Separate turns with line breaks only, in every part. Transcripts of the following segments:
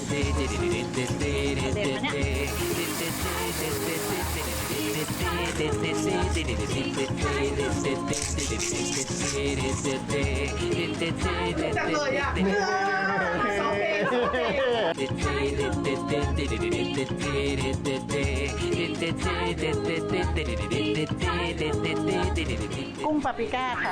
จังเลยอ่ะสองเพลง
กุ้งปาปริก้าค่ะ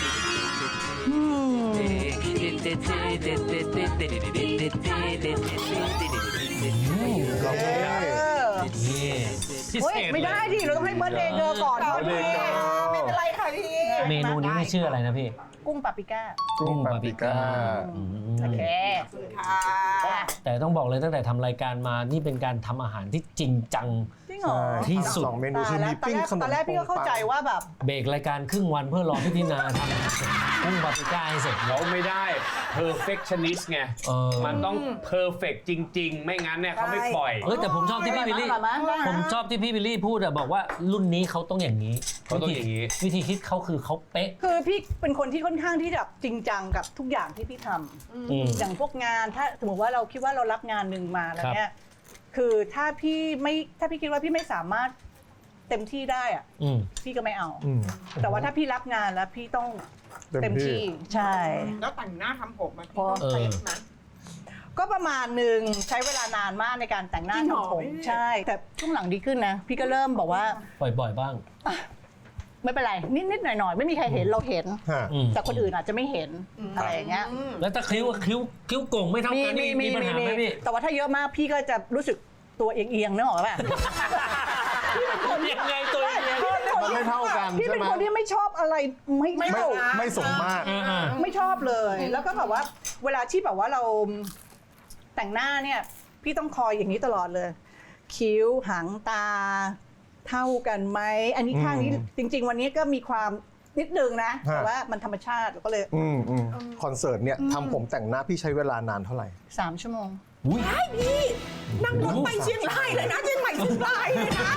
ไม่ได้ดิเราต้องให้เบิร์ดเดย์เธอก่อนพี่ไม่เป็นไรค่ะพี่
เมนูนี้ไม่ชื่ออะไรนะพี่
กุ้งปาปริก้า
กุ้งปาปริก้า
โอเค
ค่ะ
แต่ต้องบอกเลยตั้งแต่ทำรายการมานี่เป็นการทำอาหารที่จริงจังที่สุด
2 เมนูคือมีปิ้งขนม
ตอนแรกพี่ก็เข้าใจว่าแบบ
เบรกรายการครึ่งวันเพื่อรอพี่ตินาทำกุ้งปาปริก้าให้เสร็จ
เขาไม่ได้ perfectionist ไงมันต้อง perfect จริงๆ ไม่งั้นเนี่ยเขาไม่ปล่อย
แต่ผมชอบที่พี่บิลลี่ผมชอบที่พี่บิลลี่พูดอะบอกว่ารุ่นนี้เขาต้องอย่างนี้วิธีคิดเขาคือเขาเป๊ะ
คือพี่เป็นคนที่ค่อนข้างที่จะจริงจังกับทุกอย่างที่พี่ทำอย่างพวกงานถ้าสมมติว่าเราคิดว่าเรารับงานหนึ่งมาแล้วเนี่ยคือถ้าพี่คิดว่าพี่ไม่สามารถเต็มที่ได้อะพี่ก็ไม่เอาแต่ว่าถ้าพี่รับงานแล้วพี่ต้องเต็มที่ใช่
แล้วแต่งหน้าทำผมมันพี่ต้องเป๊ะไหม
ก็ประมาณหนึ่งใช้เวลานานมากในการแต่งหน้าทำผมใช่แต่ช่วงหลังดีขึ้นนะพี่ก็เริ่มบอกว่า
บ่อยๆบ้าง
ไม่เป็นไรนิดๆหน่อยๆไม่มีใครเห็นเราเห็นแต่คนอื่นอาจจะไม่เห็นอะไรอย่างเงี้ย
แล้วถ้าคิ้วโก่งไม่เท่ากันมีปัญหาไหมพี่
แต่ว่าถ้าเยอะมากพี่ก็จะรู้สึกตัวเอียงๆนึกออกป่ะ
ยังไงตัวเอียง
มันไม่เท่ากัน
พี่เป็นคนที่ไม่ชอบอะไร
ไม่สมมาตร
ไม่ชอบเลยแล้วก็แบบว่าเวลาที่แบบว่าเราแต่งหน้าเนี่ยพี่ต้องคอยอย่างนี้ตลอดเลยคิ้วหางตาเท่ากันไหมอันนี้ข้างนี้จริงๆวันนี้ก็มีความนิดนึงนะแต่ว่ามันธรรมชาติก็เลย
คอนเสิร์ตเนี่ยทำผมแต่งหน้าพี่ใช้เวลานานเท่าไหร่
3 ชั่วโมง
ใช่พี่นั่งรถไปเชียงรายเลยนะเชียงใหม่เชียงรายเลยนะ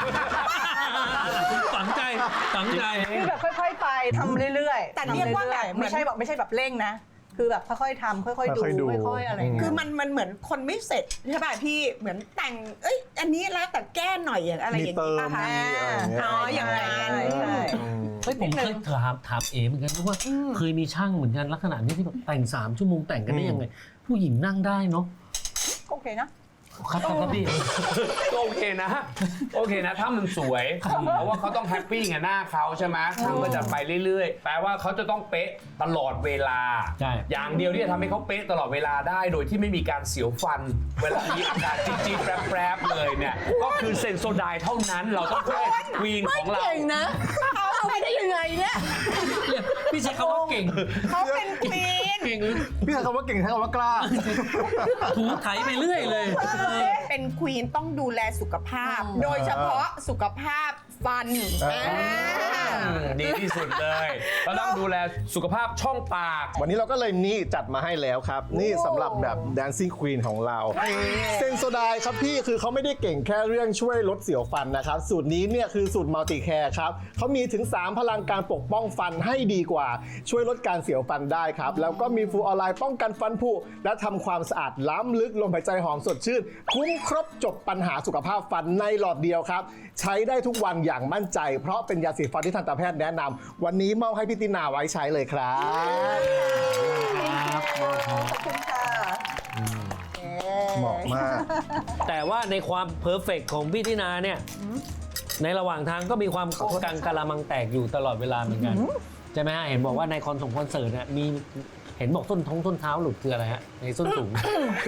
ฝังใจ
คือแบบค่อยๆไปทำเรื่อยๆ
แต่เรียกว่าแบบ
ไม่ใช่แบบเร่งนะคือแบบค่อยๆทำค่อยๆดูค่อยๆอะไร
คือมันเหมือนคนไม่เสร็จใช่ป่ะพี่เหมือนแต่งอันนี้แล้วแต่แก้หน่อยอย่างอะไรอย่างนี้ป่ะคะอ๋ออย่างไร
ผมเคยถามเหมือนกันว่าเคยมีช่างเหมือนกันลักษณะนี้ที่แบบแต่ง3 ชั่วโมงแต่งกันได้ยังไงผู้หญิงนั่งได้เนาะ
โอเค
นะครับพี่
ก็โอเคนะถ้ามันสวยเพราะว่าเขาต้องแฮปปี้กับหน้าเขาใช่ไหมช่างก็จะไปเรื่อยๆแปลว่าเขาจะต้องเป๊ะตลอดเวลาอย่างเดียวที่จะทำให้เขาเป๊ะตลอดเวลาได้โดยที่ไม่มีการเสียวฟันเวลามีอากาศจี๊ดๆแปรบๆเลยเนี่ยก็คือเซนโซไดเท่านั้นเราต้องเป็นควีนของเรา
เก่งนะเอาไปได้ยังไงเนี่ย
พี่ใช้คำว่าเก่ง
เขาเป็นควีน
พี่ใช้คำว่าเก่งใช้คำว่ากล้า
ถูไถไปเรื่อยเลย
เป็นควีนต้องดูแลสุขภาพโดยเฉพาะสุขภาพฟัน
ดีที่สุดเลยก็ต้องดูแลสุขภาพช่องปาก
วันนี้เราก็เลยนี่จัดมาให้แล้วครับนี่สำหรับแบบ Dancing Queen ของเราเซนโซไดครับพี่คือเขาไม่ได้เก่งแค่เรื่องช่วยลดเสียวฟันนะครับสูตรนี้เนี่ยคือสูตรมัลติแคร์ครับเขามีถึง3พลังการปกป้องฟันให้ดีกว่าช่วยลดการเสียวฟันได้ครับแล้วก็มีฟลูออไรด์ป้องกันฟันผุและทำความสะอาดล้ำลึกลมหายใจหอมสดชื่นคุ้มครบจบปัญหาสุขภาพฟันในหลอดเดียวครับใช้ได้ทุกวันอย่างมั่นใจเพราะเป็นยาสีฟันที่ทันตแพทย์แนะนำวันนี้มอบให้พี่ตินาไว้ใช้เลยครับ
ขอบคุณค่ะ
เหมาะมาก
แต่ว่าในความเพอร์เฟกต์ของพี่ตินาเนี่ยในระหว่างทางก็มีความกังกะละมังแตกอยู่ตลอดเวลาเหมือนกันใช่ไหมฮะเห็นบอกว่าในคอนเสิร์ตเนี่ยมีเห็นบอกส้นเท้าหลุดคืออะไรฮะในส้นสูง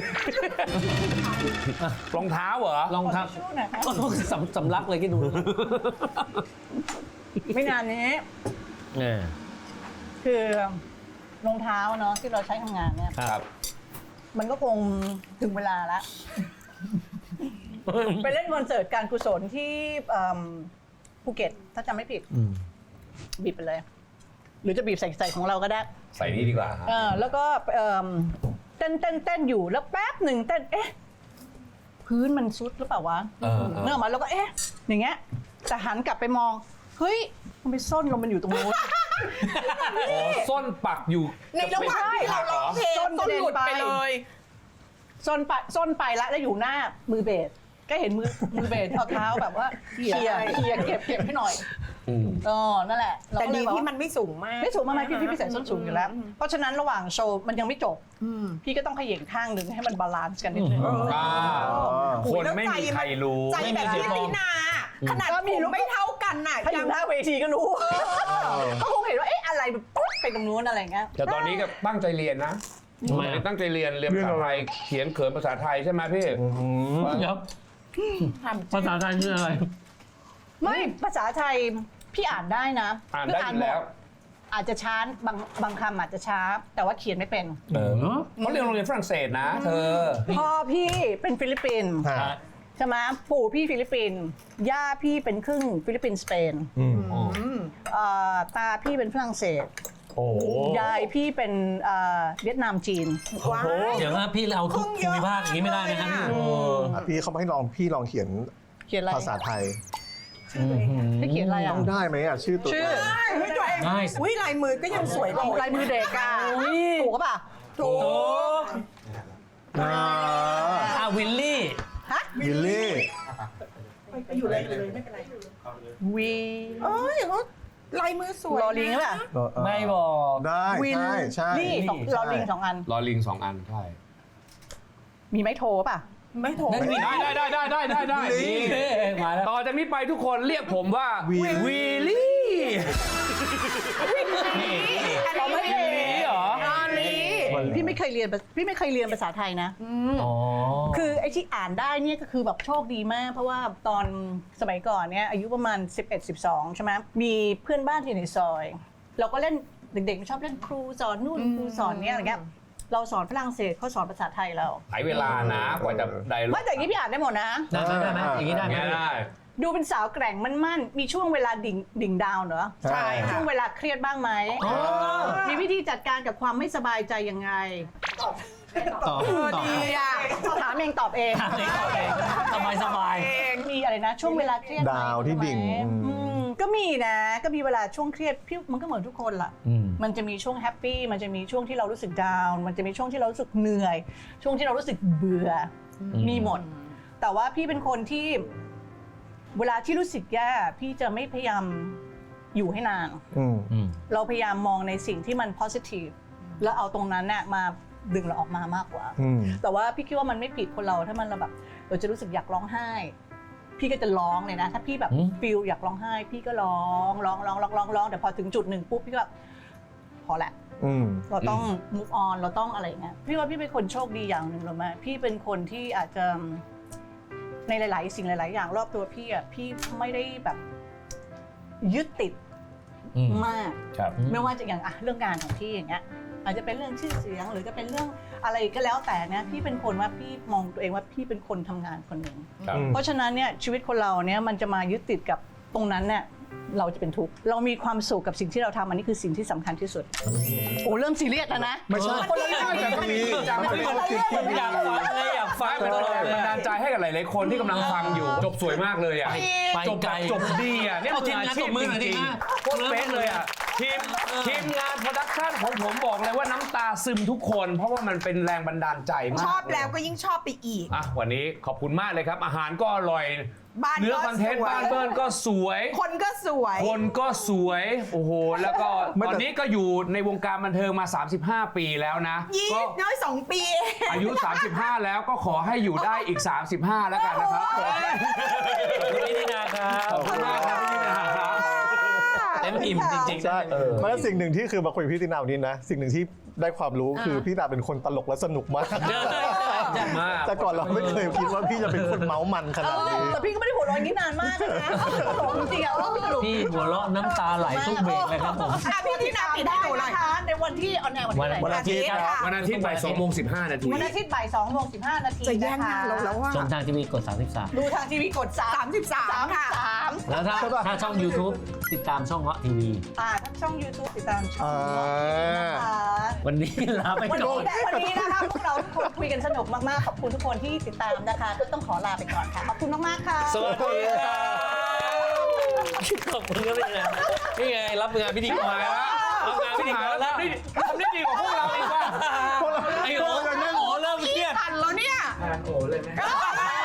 รองเท้าเหรอ
รองเท้าสำลักเลยที่ดู
ไม่นานนี้คือรองเท้าเนาะที่เราใช้ทำงานเนี่ย
ครับ
มันก็คงถึงเวลาแล้วไปเล่นคอนเสิร์ตการกุศลที่ภูเก็ตถ้าจำไม่ผิดบีบไปเลยหรือจะบีบใส่ของเราก็ได้
ใส่นี่ดีกว่า
แล้วก็เต้นอยู่แล้วแป๊บหนึ่งเต้นพื้นมันซุดหรือเปล่าวะเนื้อมาแล้วก็อย่างเงี้ยแต่หันกลับไปมองเฮ้ยมันไปส้นลงมันอยู่ตรงนู้น
ส้นปักอยู่
ในระหว่างที่เราร้องเพลงส้นหลุดไปเลย
ส้นไปแล้วอยู่หน้ามือเบสก็เห็นมือเบสเอาเท้าแบบว่าเคลียร์เก็บให้หน่อยนั่นแหละ
แต่ดีที่มันไม่สูงมาก
ไม่สูงมากพี่ใส่ส้นสูงอยู่แล้ว เพราะฉะนั้นระหว่างโชว์มันยังไม่จบพี่ก็ต้องเขย่งข้างหนึ่งให้มันบาลานซ์กันนิดนึง
คนไม่มีใครรู้
ใจแบบพี่ตินาขนาดผมไม่เท่ากันน่ะ
ถ้าอยู่หน้าเวทีก็รู้เขาคงเห็นว่าอะไรแบบปุ๊บไปตรงนู้นอะไรเงี้ย
แต่ตอนนี้ก็ตั้งใจเรียนนะตั้งใจเรียนภาษาไทยเขียนเขินภาษาไทยใช่ไหมพี่
เดี๋ยวภาษาไทยคืออะไร
ไม่ภาษาไทยพี่อ่านได้นะ
อ่านได้อยู่แล้ว
อาจจะช้าบางคำอาจจะช้าแต่ว่าเขียนไม่เป็น
เขาเรียนโรงเรียนฝรั่งเศสนะเธอ
พ่อพี่เป็นฟิลิปปินส์ใช่ไหมปู่พี่ฟิลิปปินส์ย่าพี่เป็นครึ่งฟิลิปปินส์สเปนตาพี่เป็นฝรั่งเศสยายพี่เป็นเวียดนามจีน
ว้า
เดี๋ยวว่าพี่เอาทุกภูมิภาคอย่างนี้ไม่ได้นะครับพี่
พี่เขาให้พี่ลองเขียน
อะไร
ภาษาไทย
ให้เขียนอะไรอ่ะ
ต้องได้ไหมอ่ะชื่อตัว
เฮ้ยตัวเองอุ้ยลายมือก็ยังสวยเลย
ลายมือเด็กอ่ะถูกป่ะ
ถูก
วิลลี่
วิลลี่
อยู่เลยไม่เป็นไร
วี
เอ้ยเขาลายมือสวย
ลอลิงป่ะ
ไม่บอก
ได้
วิน
ใช่
นี่ลอลิง2 อัน
รอลิง2 อันใช่
มีไม้โทป่ะ
ไม่ถูก
ได้นี่
มาแล้ว
ต่อจากนี้ไปทุกคนเรียกผมว่าวีลี่
เราไม่เรียน
เหรอ
พี่ไม่เคยเรียนภาษาไทยนะ คือไอ้ที่อ่านได้เนี่ยก็คือแบบโชคดีมาก เพราะว่าตอนสมัยก่อนเนี่ยอายุประมาณ 11-12 ใช่ไหมมีเพื่อนบ้านที่อยู่ในซอย เราก็เล่นเด็กๆชอบเล่นครูสอนนู่นครูสอนเนี่ยอะไรเงี้ยเราสอนฝรั่งเศสเขาสอนภาษาไทยเรา
ใช้เวลานะกว่าจะได้
ไม่แต่อย่างนี้พี่อ่านได้หมดนะ
ได้ไหมอย่างนี้ได้ไหม
ไม่ได้
ดูเป็นสาวแกร่งมั่นๆมีช่วงเวลาดิ่งดาวน์เหรอ
ใช่
ช่วงเวลาเครียดบ้างไหมมีวิธีจัดการกับความไม่สบายใจยังไง
ต่อ
ดีอ่ะ
ถามเองตอบเอง
สบาย
มีอะไรนะ ช่วงเวลาเครียดไหม
ดาวที่ดิ่ง
ก็มีนะก็มีเวลาช่วงเครียดพี่มันก็เหมือนทุกคนล่ะมันจะมีช่วงแฮปปี้มันจะมีช่วงที่เรารู้สึกดาวน์มันจะมีช่วงที่เรารู้สึกเหนื่อย ช่วงที่เรารู้สึกเบื่อมีหมด แต่ว่าพี่เป็นคนที่เวลาที่รู้สึกแย่พี่จะไม่พยายามอยู่ให้นานเราพยายามมองในสิ่งที่มัน positive แล้วเอาตรงนั้นน่ะมาดึงเราออกมามากกว่าแต่ว่าพี่คิดว่ามันไม่ผิดคนเราถ้ามันเราจะรู้สึกอยากร้องไห้พี่ก็จะร้องเลยนะถ้าพี่แบบฟีลอยากร้องไห้พี่ก็ร้องแต่พอถึงจุดหนึ่งปุ๊บพี่ก็พอละเราต้อง move on เราต้องอะไรอย่างเงี้ยพี่ว่าพี่เป็นคนโชคดีอย่างหนึ่งหรือไม่พี่เป็นคนที่อาจจะในหลายๆสิ่งหลายๆอย่างรอบตัวพี่อ่ะพี่ไม่ได้แบบยึดติดมากไม่ว่าจะอย่างเรื่องงานของพี่อย่างเงี้ยอาจจะเป็นเรื่องชื่อเสียงหรือจะเป็นเรื่องอะไรก็แล้วแต่เนี่ยพี่เป็นคนว่าพี่มองตัวเองว่าพี่เป็นคนทำงานคนหนึ่งเพราะฉะนั้นเนี่ยชีวิตคนเราเนี่ยมันจะมายึดติดกับตรงนั้นเนี่ยเราจะเป็นทุกข์เรามีความสุขกับสิ่งที่เราทำอันนี้คือสิ่งที่สำคัญที่สุดโอ้เริ่มซีเรียสแล้วนะ
ไม่ใช่
คนละเรื่อง
อยากฟัง
เป็น
ตลอ
แร
ด
ง
เล
บัน
ย
ดาลใจให้กับหลายๆคนที่กำลังฟังอยู่จบสวยมากเลยอ่ะ
ไปไกล
จบดีอ่ะเนี่ยมืออาชีพจริงๆโคตรเป๊ะเลยอ่ะทีมงานโปรดักชั่นของผมบอกเลยว่าน้ำตาซึมทุกคน เพราะว่ามันเป็นแรงบันดาลใจมาก
ชอบแล้วก็ยิ่งชอบไปอีก
วันนี้ขอบคุณมากเลยครับ อาหารก็อร่อย
บ้าน
เนื้อ
ก็
คอนเทนต์
สวย
บ้านเบิร์นก็สวย
คนก็สวย
คนก็สวยโอ้โหแล้วก็ตอนนี้ก็อยู่ในวงการบันเทิงมา 35 ปีแล้วนะ
ยี่
ก็
น้อย2 ปีเอง
อายุ 35 แล้วก็ขอให้อยู่ได้อีก 35 แล้วกันนะครับ
พี่ตินาครับ
ขอบคุณมากครับพี่ตินาครับ
เต็มอิ่มจริงๆ
ใช่แล้วสิ่งหนึ่งที่คือมาคุยกับพี่ตินาวันนี้นะสิ่งหนึ่งที่ได้ความรู้คือพี่ตินาเป็นคนตลกและสนุกมาก
มาก
แต่ก่อนเราไม่เคยคิดว่าพี่จะเป็นคนเมาส์มันขนาดนี้
แต่พี่ก็ไม่ได้หัวเร้อนนี้นานมากนะตลกจริงๆอ่ะพี่ตลก
พี่หัวเราะน้ำตาไหลทุกเบรกเลยครับผม
พี่ที่นาปิดให้หนูหน่อย
นะคะในวันที่ออนแอร์วันที่ไหน
วันอาทิตย์ครับ
วันอาทิตย์บ่าย2:15 นาที
วันอาทิตย์บ่าย2:15 นาที
จะแย่ง
นะ
งา
คะ
นเราแล้วว่า
ชมทางทีวีกด 33
ดูทางทีวีกด
33 ค่ะ
33
แล้วถ้าช่อง YouTube ติดตามช่องเงาะทีวี
ทั้งช่อง YouTube ติดตามช่องนะคะ
วันนี้ลาไป
วัน
ก่อ
นี้
น
นะคะพวกเราทุกคนคุยกันสนุกมากๆขอบคุณทุกคนที่ติดตามนะคะก็ต้องขอลาไปก่อนค่ะขอบคุณมากๆค่ะ
สวัสดีครับขอบคุณครับนี่ไงรับงานพิธีกรแล้วรับงานพิธีกรแล้ว
ทำได้ดีกว่าพวกเราอีกว่า
ไอ้โอ๋เริ่มเครียด
ทันแล้วเนี่ย
านโอเลยไหม